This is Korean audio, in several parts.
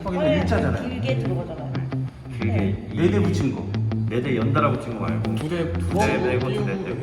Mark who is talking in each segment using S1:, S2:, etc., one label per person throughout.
S1: 거기서 일자잖아요.
S2: 길게 들어가잖아요.
S3: 길게
S1: 네 대 붙인 거.
S3: 4대 연달아 붙인 거 말고
S4: 두 대
S3: 빼고 2대 떼고.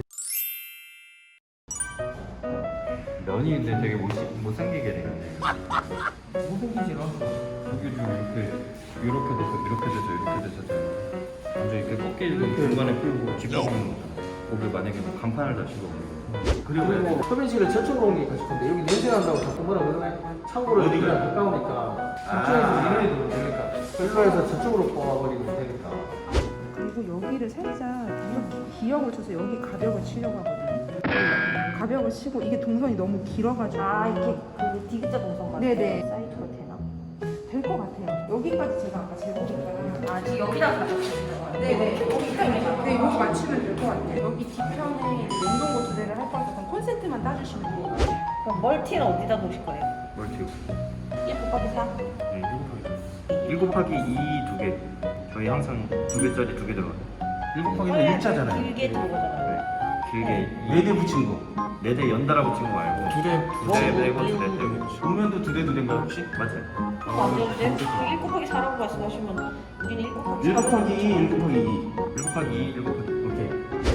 S3: 면이 근데 되게 못생기게 되는데.
S4: 못생기지라.
S3: 여기 이렇게 돼서 이렇게 돼서 이렇게 돼서 완전 이렇게 꺾이고 중간에 풀고 짚어보는 거. 거기 만약에 뭐 간판을 다시고
S4: 그리고 흡연실을 저쪽으로 옮기니까 싶은데 여기 냄새 난다고 자꾸 뭐라 그러네. 창고를
S1: 어디가?
S4: 여기랑 가까우니까 이쪽에서 이런이 들어오면 되니까 일로 해서 저쪽으로 뽑아버리면 되니까.
S5: 그리고 여기를 살짝 기역을 쳐서 여기 가벽을 치려고 하거든요. 가벽을 치고 이게 동선이 너무 길어가지고
S2: 이렇게 그 디귿자 동선 같은
S5: 네네.
S2: 사이즈가 되나?
S5: 될 것 같아요. 여기까지 제가 아까 재보니까
S2: 지금 여기다가 가져오시는 거예요?
S5: 네네 여기까지 네 여기 맞추면 될 것 같아요. 여기 뒤편에 냉동고 두 대를 할 거라서 그럼 콘센트만 따주시면 돼요.
S2: 그럼 멀티는 어디다 놓으실 거예요?
S3: 멀티
S2: 1 곱하기 4?
S3: 1 곱하기 2 두 개. 저희 항상 2개짜리 2개 들어가요.
S1: 1 곱하기는 일자잖아요.
S2: 길게 들어가잖아요.
S3: 길게
S1: 네 대 붙인 거.
S3: 4대 연달아 붙인 거 말고
S4: 두 대
S3: 2대 빼고 2대 떼고.
S1: 음면도 두 대인가요 혹시?
S3: 맞아요.
S2: 안 되는데? 1 곱하기 4라고 말씀하시면 우리는 1 곱하기
S1: 1 곱하기 2, 1 곱하기 2.
S3: 1 곱하기 2, 1 곱하기 오케이.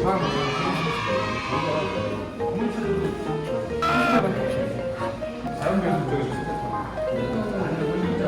S4: 자연배수 쪽에서 좋겠다.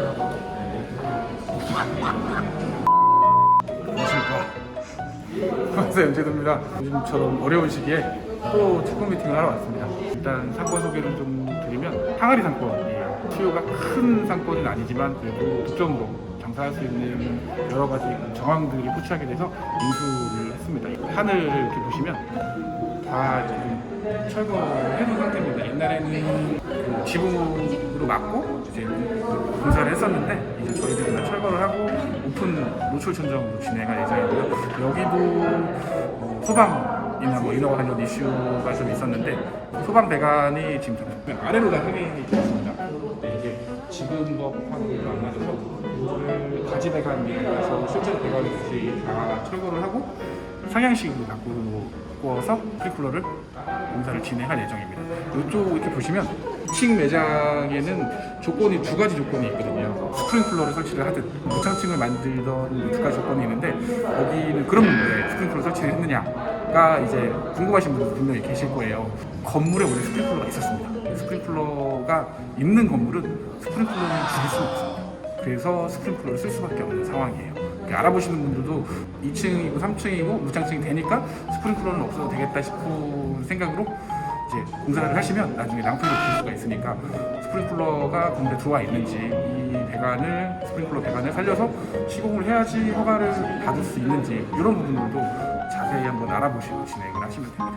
S4: 안녕하세요, 연재도입니다. 요즘처럼 어려운 시기에 또 채권 미팅을 하러 왔습니다. 일단 상권 소개를 좀 드리면 항아리 상권이에요. 수요가 큰 상권은 아니지만 그래도 독점으로 장사할 수 있는 여러 가지 정황들이 포착이 돼서 인수를 했습니다. 하늘을 이렇게 보시면 다 지금 철거해놓은 상태입니다. 옛날에는 그 지붕으로 막고 이제 공사를 했었는데 이제 저희들이 다 철거를 하고 오픈 노출 천정으로 진행할 예정이고요. 여기도 소방이나 뭐 인허가 관련 이슈가 좀 있었는데 소방 배관이 지금 좀 아래로 다 횡행이 되었습니다. 근데 이게 지금 법하고는 안 맞아서 이거를 가지 배관이라서 실제로 배관이 다시 다 철거를 하고 상향식으로 바꾸어서 프리쿨러를 공사를 진행할 예정입니다. 이쪽 이렇게 보시면 2층 매장에는 조건이 두 가지 조건이 있거든요. 스프링클러를 설치를 하든 무창층을 만들던 두 가지 조건이 있는데 여기는 그런 문제, 스프링클러 설치를 했느냐가 이제 궁금하신 분들 분명히 계실 거예요. 건물에 원래 스프링클러가 있었습니다. 스프링클러가 있는 건물은 스프링클러를 줄일 수는 없습니다. 그래서 스프링클러를 쓸 수밖에 없는 상황이에요. 알아보시는 분들도 2층이고 3층이고 무창층이 되니까 스프링클러는 없어도 되겠다 싶은 생각으로 이제 공사를 하시면 나중에 낭패를 볼 수가 있으니까 스프링클러가 건물에 들어와 있는지 이 배관을 스프링클러 배관을 살려서 시공을 해야지 허가를 받을 수 있는지 이런 부분들도 자세히 한번 알아보시고 진행을 하시면 됩니다.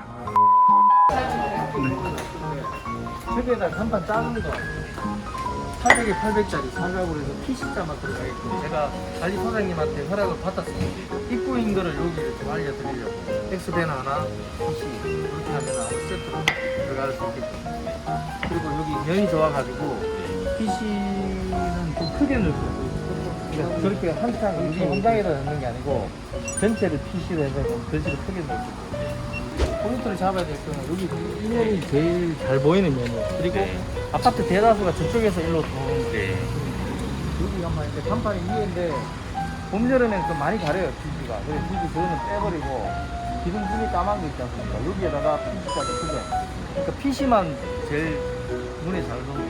S6: 저기에다 간판 작은 거 800에 800짜리 사각으로 해서 PC자만 들어가겠고 제가 관리 소장님한테 허락을 받았습니다. 입구인 거를 여기를 좀 알려드리려고 X밴 하나, PC 이렇게 하면 아무 세트로 들어갈 수 있게끔 그리고 여기 면이 좋아가지고 PC는 좀 크게 넣었어요. 그러니까 저렇게 한창 우리 공장에다 넣는 게 아니고 전체를 PC로 해서 전체를 크게 넣었어요. 포인트를 잡아야 될 거는 여기 이 면이 제일 잘 보이는 면이에요. 그리고 아파트 대다수가 저쪽에서 일로 들어오는 거예요. 여기가 막 이렇게 간판이 위에인데 봄, 여름에는 좀 많이 가려요, PC가. 그래서 PC 그거는 빼버리고 기둥줄이 까만 거 있지 않습니까? 여기에다가 PC까지 크게. 그러니까 PC만 제일 눈에 잘 들어오고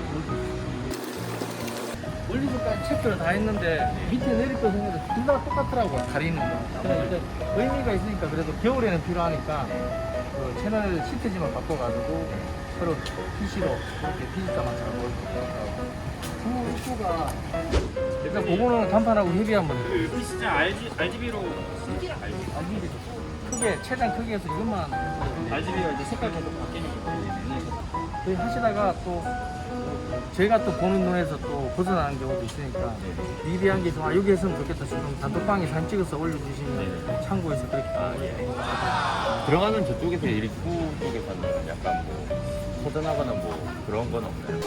S6: 원리서까지 체크를 다 했는데 밑에 내릴 거 생각해도 둘 다 똑같더라고요, 가리는 거. 그래서 이제 의미가 있으니까 그래도 겨울에는 필요하니까 그 채널 시트지만 바꿔가지고 서로 PC로 이렇게 PC가만 잘 보일 수 있더라고요. 후가 일단 그거는 간판하고 협의 한번 해요.
S3: 우리 진짜 RGB로
S6: RGB 크게 최대한 크게 해서 이것만
S3: RGB가 이제 색깔 계속 바뀌는 거예요.
S6: 저희 하시다가 또 저희가 또 보는 눈에서 또 벗어나는 경우도 있으니까 미비한 게 좀 여기 했으면 좋겠다 싶으면 단톡방에 사진 찍어서 올려주시면 참고해서 그렇게
S7: 들어가는 저쪽에서 입구 쪽에서는 약간 뭐 허전하거나 뭐 그런 건 없나요?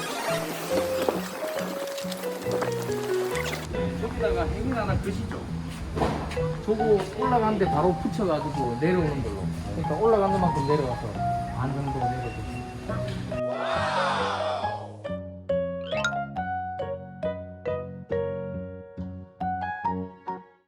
S6: 여기다가 행인 하나 끄시죠. 저거 올라가는데 바로 붙여가지고 내려오는 걸로. 그러니까 올라간 것만큼 내려가서 반 정도